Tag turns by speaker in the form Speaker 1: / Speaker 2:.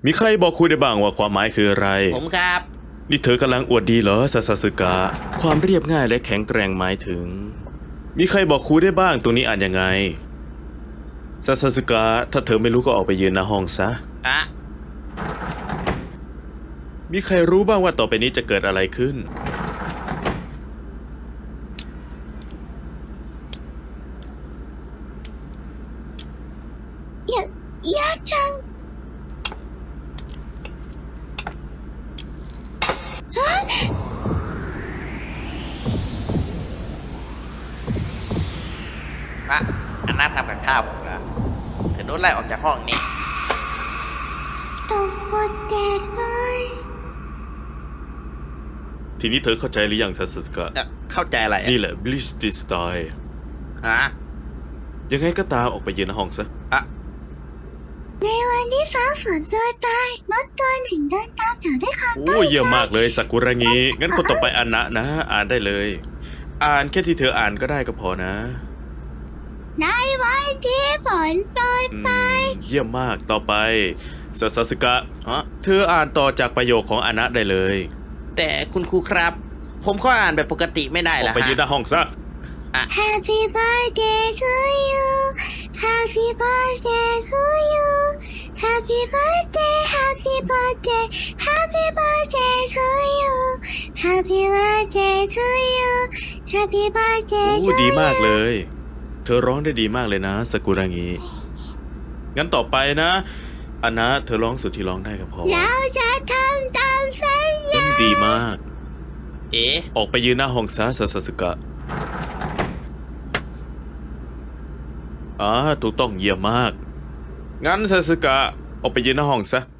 Speaker 1: มีใครบอกคุยได้บ้างว่าความหมายคืออะไร
Speaker 2: ผมครับ
Speaker 1: นี่เธอกำลังอวดดีเหรอซาซาสึกะความเรียบง่ายและแข็งแกร่งหมายถึง มีใครบอกครูได้บ้างตรงนี้อ่านยังไงซาซาสึกะถ้าเธอไม่รู้ก็ออกไปยืนหน้าห้องซะ
Speaker 2: อะ
Speaker 1: มีใครรู้บ้างว่าต่อไปนี้จะเกิดอะไรขึ้น
Speaker 3: ยากจัง
Speaker 2: อะอันน่าทำกับข้าวผมเหรอเธอโดนไล่ออกจากห้องนี่
Speaker 3: ตกกดแดดเลย
Speaker 1: ทีนี้เธอเข้าใจหรือยังซาซาสึกะ
Speaker 2: เข้าใจอะไรอะ
Speaker 1: นี่แหละ Bleach this style
Speaker 2: ฮะ
Speaker 1: ยังไงก็ตามออกไปยืนหน้าห้องซะ
Speaker 2: อะ
Speaker 3: ในวันที่ฟ้าฝนโปรยปลายมดตัวหนึ่งเดินตามแถวด้วยความ
Speaker 1: โอ้เยี่ยมมากเลยซากุระงี้งั้นคนต่อไปอ่านนะ อ่านได้เลย อ่านแค่ที่เธออ่านก็ได้ก็พอนะ
Speaker 3: ในวันที่ฝนโปรย
Speaker 1: อื
Speaker 3: ปลาย
Speaker 1: มเยี่ยมมากต่อไปซาซาสึกะ
Speaker 2: ฮะ
Speaker 1: เธออ่านต่อจากประโยคของอานะได้เลย
Speaker 2: แต่คุณครูครับ ผมก็อ่านแบบปกติไม่ได้
Speaker 1: อ
Speaker 2: เหร
Speaker 1: อ
Speaker 2: อก
Speaker 1: ไปยืนห
Speaker 2: ฮะ
Speaker 1: น้าห้องซะ
Speaker 3: Happy birthday to you Happy birthday to you Happy birthday Happy birthday Happy birthday to you Happy birthday to you Happy birthday
Speaker 1: โอ้
Speaker 3: to
Speaker 1: ดีมาก
Speaker 3: you
Speaker 1: เลย เธอร้องได้ดีมากเลยนะสกุระงีงั้นต่อไปนะอานะเธอร้องสุดที่ร้องได้ก็พอ
Speaker 3: เราจะทำตามสัญญา
Speaker 1: ดีมาก
Speaker 2: เอ๊ะ
Speaker 1: ออกไปยืนหน้าห้องซะซาซาสึกะถูกต้องเยี่ยมมาก งั้นซาสึกะออกไปยืนหน้าห้องซะ